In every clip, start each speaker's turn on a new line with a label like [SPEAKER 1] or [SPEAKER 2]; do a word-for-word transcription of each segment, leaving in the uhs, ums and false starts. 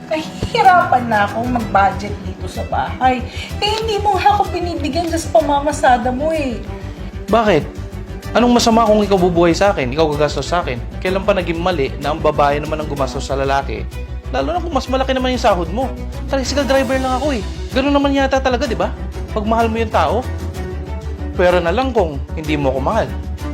[SPEAKER 1] Nahihirapan na akong mag-budget dito sa bahay. Eh, hindi mo nga ako binibigyan dyan sa pamamasada mo eh.
[SPEAKER 2] Bakit? Anong masama kung ikaw bubuhay sa akin, ikaw gagastos sa akin? Kailan pa naging mali na ang babae naman ang gumastos sa lalaki? Lalo na kung mas malaki naman yung sahod mo. Tricycle driver lang ako eh. Ganun naman yata talaga, di ba? Pag mahal mo yung tao. Pero na lang kung hindi mo ako mahal.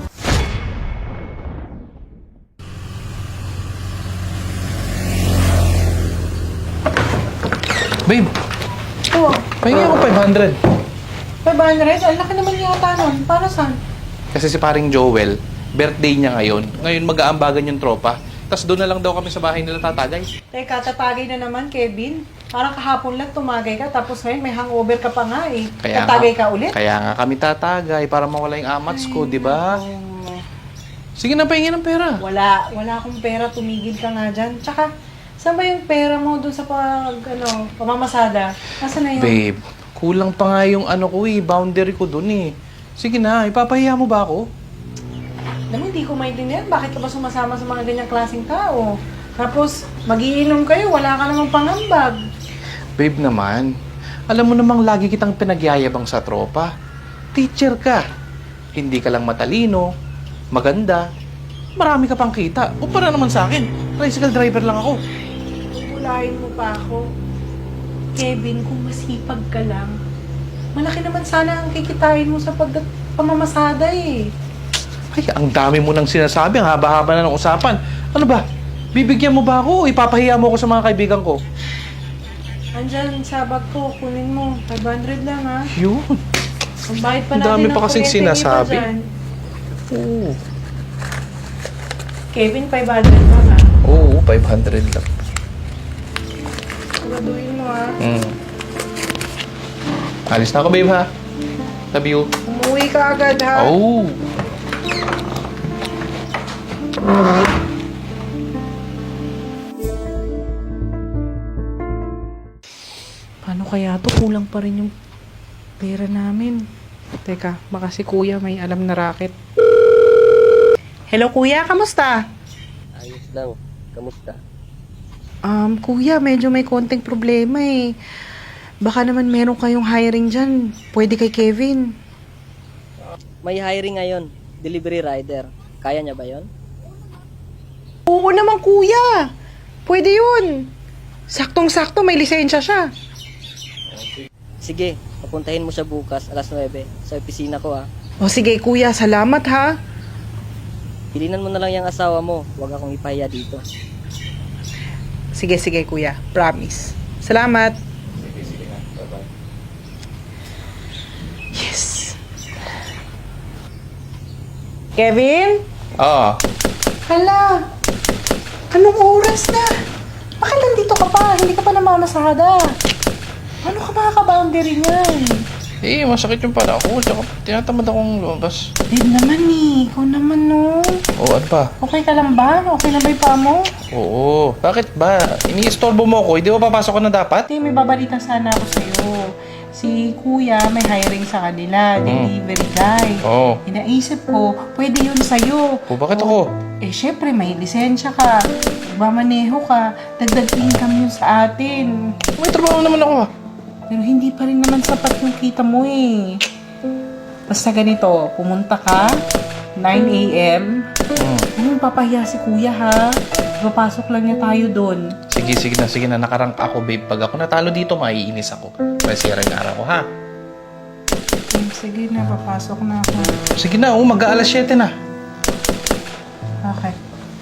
[SPEAKER 2] Babe,
[SPEAKER 1] Oo.
[SPEAKER 2] pahingi ako five hundred.
[SPEAKER 1] five hundred? Ang laki naman yata nun. Para saan?
[SPEAKER 2] Kasi si paring Joel, birthday niya ngayon. Ngayon mag-aambagan yung tropa. Tapos doon na lang daw kami sa bahay nila tatagay.
[SPEAKER 1] Teka, tatagay na naman, Kevin. Parang kahapon lang tumagay ka, tapos ngayon may hangover ka pa nga eh.
[SPEAKER 2] Kaya
[SPEAKER 1] Tatagay
[SPEAKER 2] nga,
[SPEAKER 1] ka ulit?
[SPEAKER 2] Kaya nga kami tatagay para mawala yung amats ko, di ba?
[SPEAKER 1] Oo.
[SPEAKER 2] Sige na, pahingi ng pera.
[SPEAKER 1] Wala. Wala akong pera. Tumigil ka nga dyan. Tsaka, saan ba yung pera mo doon sa pag, ano, pamamasada? Nasaan na yun?
[SPEAKER 2] Babe, kulang pa nga yung ano ko eh, boundary ko dun eh. Sige na, ipapahiya mo ba ako?
[SPEAKER 1] Alam mo, hindi ko maintindihan. Bakit ka ba sumasama sa mga ganyang klaseng tao? Tapos, magiinom kayo, wala ka namang pangambag.
[SPEAKER 2] Babe naman, alam mo namang lagi kitang pinagyayabang sa tropa. Teacher ka. Hindi ka lang matalino, maganda, marami ka pang kita. O para naman sa akin, tricycle driver lang ako.
[SPEAKER 1] Ulahin mo pa ako. Kevin, kung masipag ka lang, malaki naman sana ang kikitain mo sa pag pamamasada eh.
[SPEAKER 2] Ay, ang dami mo nang sinasabi, ang haba-haba na ng usapan. Ano ba? Bibigyan mo ba ako o ipapahiya mo ako sa mga kaibigan ko?
[SPEAKER 1] Andyan sa bag ko, kunin mo. five hundred lang ha.
[SPEAKER 2] Yun.
[SPEAKER 1] Ang bayad pa
[SPEAKER 2] Ang
[SPEAKER 1] natin
[SPEAKER 2] dami
[SPEAKER 1] ng
[SPEAKER 2] pa kasing
[SPEAKER 1] kuryente, iba
[SPEAKER 2] sinasabi.
[SPEAKER 1] dyan.
[SPEAKER 2] Oo.
[SPEAKER 1] Kevin, five hundred lang ha.
[SPEAKER 2] Oo, five hundred lang.
[SPEAKER 1] Siguraduhin mo ha.
[SPEAKER 2] Mm. Alis na ako, babe, ha? Love you.
[SPEAKER 1] Umuwi ka agad ha.
[SPEAKER 2] Oh.
[SPEAKER 1] Paano kaya to? Kulang pa rin yung pera namin. Teka, baka si kuya may alam na racket. Hello kuya, kamusta?
[SPEAKER 3] Ayos lang. Kamusta?
[SPEAKER 1] Um, kuya, medyo may konting problema eh. Baka naman meron kayong hiring dyan. Pwede kay Kevin.
[SPEAKER 3] May hiring ngayon. Delivery rider. Kaya niya ba yon?
[SPEAKER 1] Oo naman kuya. Pwede yun. Saktong-sakto, may lisensya siya.
[SPEAKER 3] Sige, papuntahin mo siya bukas alas nuwebe sa opisina ko ha.
[SPEAKER 1] O sige kuya, salamat ha.
[SPEAKER 3] Pilinan mo na lang yung asawa mo. Huwag akong ipahiya dito.
[SPEAKER 1] Sige, sige kuya. Promise. Salamat. Yes. Kevin?
[SPEAKER 2] Ah,
[SPEAKER 1] Hala. Anong oras na? Bakit nandito ka pa? Hindi ka pa namamasada. Ano ka makaka-boundary niyan?
[SPEAKER 2] eh, masakit yung pala ako. Tsaka tinatamad akong lumabas.
[SPEAKER 1] Din naman eh. Ikaw naman no.
[SPEAKER 2] Oo, ano pa?
[SPEAKER 1] Okay ka lang ba? Okay na ba yung paa mo?
[SPEAKER 2] Oo. Bakit ba? Iniistorbo mo ako. Hindi ba papasok ka na dapat?
[SPEAKER 1] Ate, may babalita sana ako sa'yo. Si kuya may hiring sa kanila, delivery guy.
[SPEAKER 2] Oo.
[SPEAKER 1] Inaisip ko, pwede yun sa'yo.
[SPEAKER 2] O, bakit ako?
[SPEAKER 1] Eh, syempre, may lisensya ka. Magmamaneho ka. Dagdag income yun sa atin.
[SPEAKER 2] May trabaho naman ako, ah.
[SPEAKER 1] Pero hindi pa rin naman sapat yung kita mo eh. Basta ganito, pumunta ka, nine a.m.
[SPEAKER 2] Hmm.
[SPEAKER 1] Ano, papahiya si kuya ha? Papasok lang niya tayo doon.
[SPEAKER 2] Sige, sige na, sige na. Nakarank ako, babe. Pag ako natalo dito, maiinis ako. Masira yung araw ko, ha?
[SPEAKER 1] Hmm, sige na, papasok na ako.
[SPEAKER 2] Sige na, oh, mag-aalas siyete na.
[SPEAKER 1] Okay.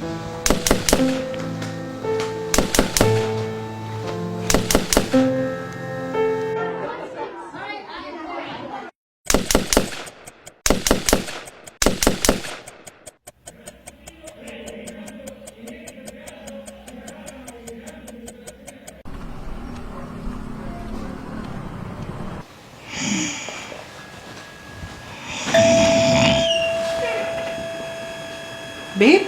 [SPEAKER 1] Babe?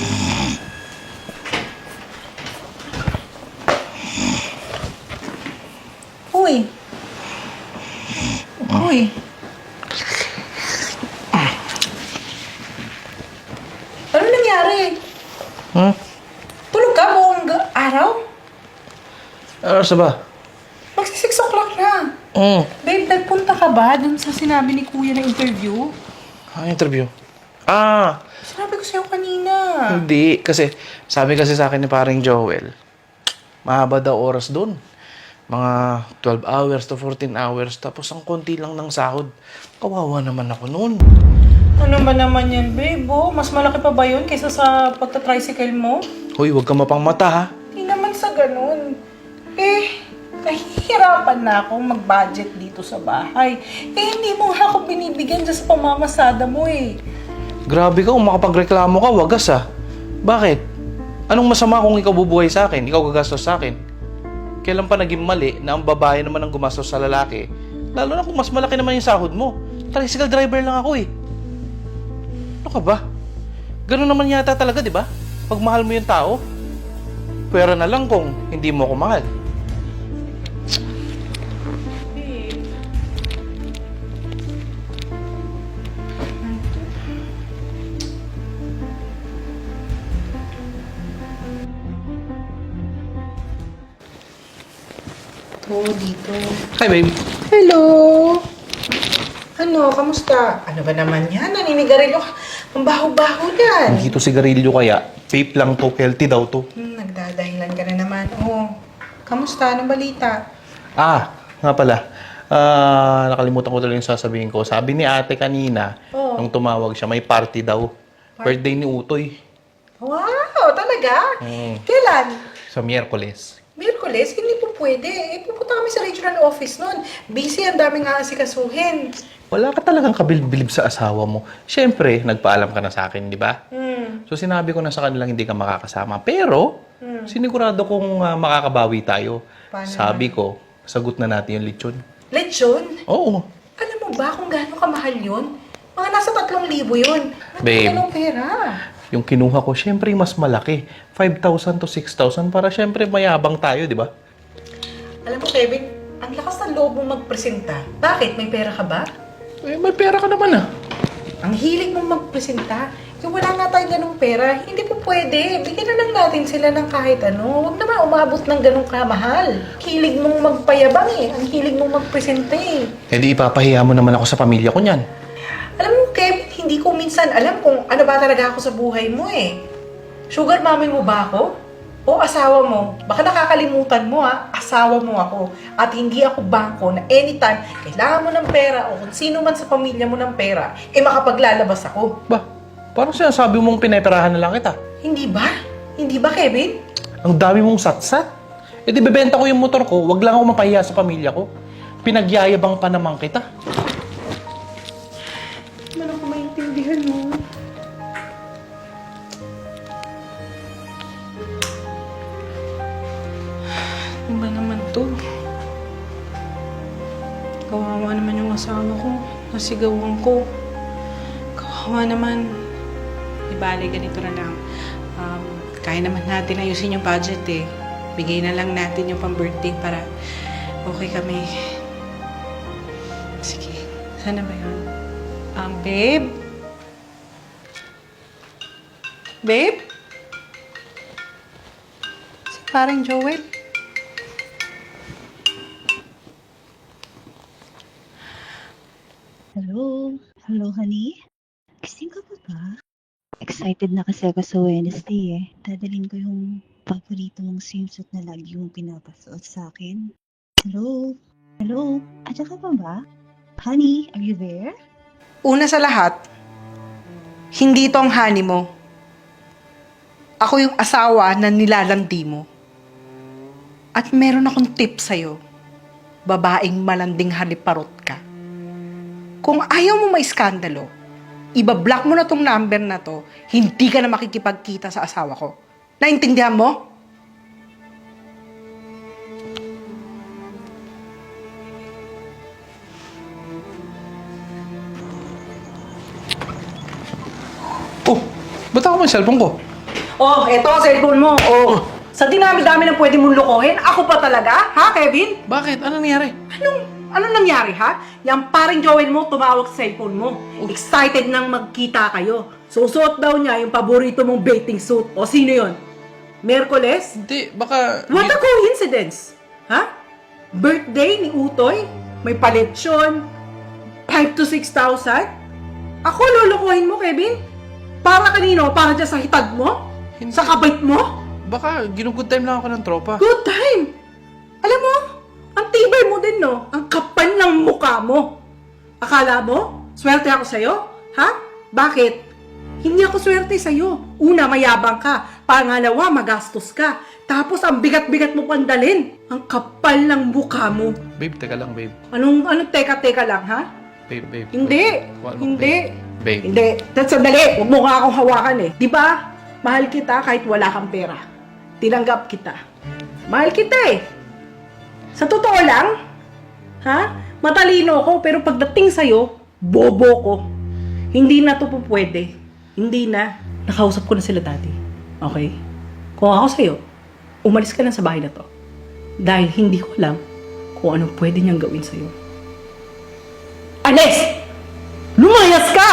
[SPEAKER 1] Uy. Uy. Ano nangyari?
[SPEAKER 2] Hmm?
[SPEAKER 1] Tulog ka buong ga- araw?
[SPEAKER 2] Ano sa ba?
[SPEAKER 1] Magsi six o'clock na.
[SPEAKER 2] Mm.
[SPEAKER 1] Babe, nagpunta ka ba dun sa sinabi ni Kuya na interview?
[SPEAKER 2] Ang interview? Ah,
[SPEAKER 1] Sinabi ko sa'yo kanina.
[SPEAKER 2] hindi. Kasi, sabi kasi sa akin ni paring Joel, mahaba daw oras doon. Mga twelve hours to fourteen hours. Tapos ang konti lang ng sahod. Kawawa naman ako noon.
[SPEAKER 1] Ano ba naman yan, babe? Oh, mas malaki pa ba yun kaysa sa pagta-tricycle mo?
[SPEAKER 2] Hoy, huwag ka mapang mata ha.
[SPEAKER 1] Hindi naman sa ganun. Eh, nahihirapan na akong mag-budget dito sa bahay. Eh, hindi mo nga ako binibigyan dyan sa pamamasada mo eh.
[SPEAKER 2] Grabe ka, kung makapagreklamo ka, wagas ah. Bakit? Anong masama kung ikaw bubuhay sa akin? Ikaw gagastos sa akin? Kailan pa naging mali na ang babae naman ang gumastos sa lalaki? Lalo na kung mas malaki naman yung sahod mo. Tricycle driver lang ako eh. Ano ka ba? Ganun naman yata talaga, di ba? Pag mahal mo yung tao, pera na lang kung hindi mo ako mahal.
[SPEAKER 1] Oo, dito.
[SPEAKER 2] Hi, babe.
[SPEAKER 1] Hello! Ano, kamusta? Ano ba naman yan? Naninigarilyo ka. Ang baho-baho yan.
[SPEAKER 2] Hindi to sigarilyo kaya. Vape lang to. Healthy daw to.
[SPEAKER 1] Hmm, nagdadahilan ka na naman. Oo. Kamusta? Anong balita?
[SPEAKER 2] Ah, nga pala. Ah, nakalimutan ko tuloy yung sasabihin ko. Sabi ni ate kanina,
[SPEAKER 1] Oo.
[SPEAKER 2] nung tumawag siya, may party daw. Birthday ni Utoy.
[SPEAKER 1] Wow, talaga?
[SPEAKER 2] Mm.
[SPEAKER 1] Kailan?
[SPEAKER 2] Sa Miyerkules.
[SPEAKER 1] Miyerkules? Hindi po pwede. Eh, pupunta kami sa regional office nun. Busy, ang daming aasikasuhin.
[SPEAKER 2] Wala ka talagang kabilbilib sa asawa mo. Siyempre, nagpaalam ka na sa akin, di ba?
[SPEAKER 1] Hmm.
[SPEAKER 2] So sinabi ko na sa kanilang hindi ka makakasama. Pero, sinigurado kong ah, makakabawi tayo.
[SPEAKER 1] Paano
[SPEAKER 2] Sabi ko, sagot na natin yung lechon.
[SPEAKER 1] Lechon?
[SPEAKER 2] Oo.
[SPEAKER 1] Alam mo ba kung gaano kamahal yun? Mga nasa tatlong libo yun. Ano
[SPEAKER 2] Babe.
[SPEAKER 1] Anong pera?
[SPEAKER 2] Yung kinuha ko, siyempre mas malaki. five thousand to six thousand para siyempre mayabang tayo, di ba?
[SPEAKER 1] Alam mo, Kevin, ang lakas ng loob mong magpresenta. Bakit? May pera ka ba?
[SPEAKER 2] Eh, may pera ka naman ah.
[SPEAKER 1] Ang hilig mong magpresenta. Yung wala nga tayong ganong pera, hindi po pwede. Bigyan na lang natin sila ng kahit ano. Huwag naman umabot ng ganong kamahal. Hilig mong magpayabang eh. Ang hilig mong magpresenta eh.
[SPEAKER 2] Eh di ipapahiya mo naman ako sa pamilya ko niyan.
[SPEAKER 1] Alam mo, Kevin, hindi ko minsan alam kung ano ba talaga ako sa buhay mo eh. Sugar mommy mo ba ako? O asawa mo? Baka nakakalimutan mo ha, asawa mo ako. At hindi ako bangko na anytime kailangan mo ng pera o kung sino man sa pamilya mo ng pera, eh makapaglalabas ako.
[SPEAKER 2] Ba, parang sinasabi mong pineperahan na lang kita.
[SPEAKER 1] Hindi ba? Hindi ba, Kevin?
[SPEAKER 2] Ang dami mong satsat. Eh di bebenta ko yung motor ko, wag lang ako mapahiya sa pamilya ko. Pinagyayabang pa naman kita.
[SPEAKER 1] Hindi man ako maintindihan mo. Ano ba naman to? Kawawa naman yung asawa ko. Nasigawan ko. Kawawa naman. Di bale, ganito na lang. Um, kaya naman natin ayusin yung budget eh. Bigay na lang natin yung pang-birthday para okay kami. Sige. Sana ba yun? Um, babe? Babe? Si parang Joel?
[SPEAKER 4] Hello? Hello, honey? Gising ka pa ba? Excited na kasi ako sa Wednesday eh. Dadalhin ko yung paborito mong swimsuit na lagi mong pinapasuot sa akin. Hello? Hello? Andiyan ka pa ba? Honey, are you there?
[SPEAKER 1] Una sa lahat, hindi ito ang honey mo. Ako yung asawa na nilalandi mo. At meron akong tip sa'yo. Babaeng malanding haliparot ka. Kung ayaw mo maiskandalo, ibablock mo na tong number na to, hindi ka na makikipagkita sa asawa ko. Naintindihan mo?
[SPEAKER 2] Oh, ba't ako may cellphone ko?
[SPEAKER 1] Oh, eto ang cellphone mo. Oh, sa dinami-dami na pwede mong lokohin, ako pa talaga? Ha, Kevin?
[SPEAKER 2] Bakit? Ano nangyari?
[SPEAKER 1] Anong, anong nangyari, ha? Yang paring Joel mo tumawag sa cellphone mo. Excited nang magkita kayo. Susuot daw niya yung paborito mong bathing suit. O sino yon? Merkules?
[SPEAKER 2] Hindi, baka...
[SPEAKER 1] What a coincidence! Ha? Birthday ni Utoy? May paletsyon? five to six thousand? Ako lulukuhin mo, Kevin? Para kanino? Para dyan sa hitad mo?
[SPEAKER 2] Hindi.
[SPEAKER 1] Sa kabait mo?
[SPEAKER 2] Baka ginugood time lang ako ng tropa.
[SPEAKER 1] Good time! Alam mo, ang tibay mo din, no? Ang kapal ng mukha mo. Akala mo, swerte ako sa'yo? Ha? Bakit? Hindi ako swerte sa'yo. Una, mayabang ka. Pangalawa, magastos ka. Tapos, ang bigat-bigat mo pandalin. Ang kapal ng mukha mo.
[SPEAKER 2] Babe, teka lang, babe.
[SPEAKER 1] Anong, anong teka-teka lang, ha?
[SPEAKER 2] Babe, babe.
[SPEAKER 1] Hindi.
[SPEAKER 2] Wala,
[SPEAKER 1] Hindi.
[SPEAKER 2] Babe.
[SPEAKER 1] Hindi. That's sandali. Huwag mo nga akong hawakan eh. Di ba? Mahal kita kahit wala kang pera. Tinanggap kita. Mahal kita eh. Sa totoo lang, ha? Matalino ko, pero pagdating sa'yo, bobo ko. Hindi na to po pwede. Hindi na. Nakausap ko na sila dati. Okay? Kung ako sa'yo, umalis ka lang sa bahay na to. Dahil hindi ko alam kung anong pwede niyang gawin sa'yo. Alis! Lumayas ka!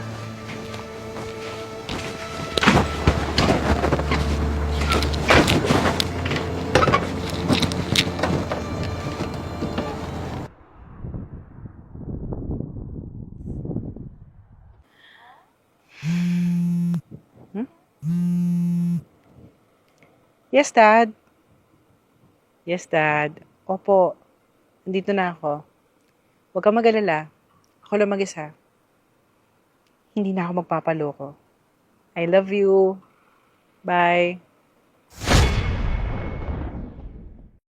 [SPEAKER 1] Yes, Dad. Yes, Dad. Opo. Nandito na ako. Huwag kang mag-alala. Ako lang mag-isa. Hindi na ako magpapaloko. I love you. Bye.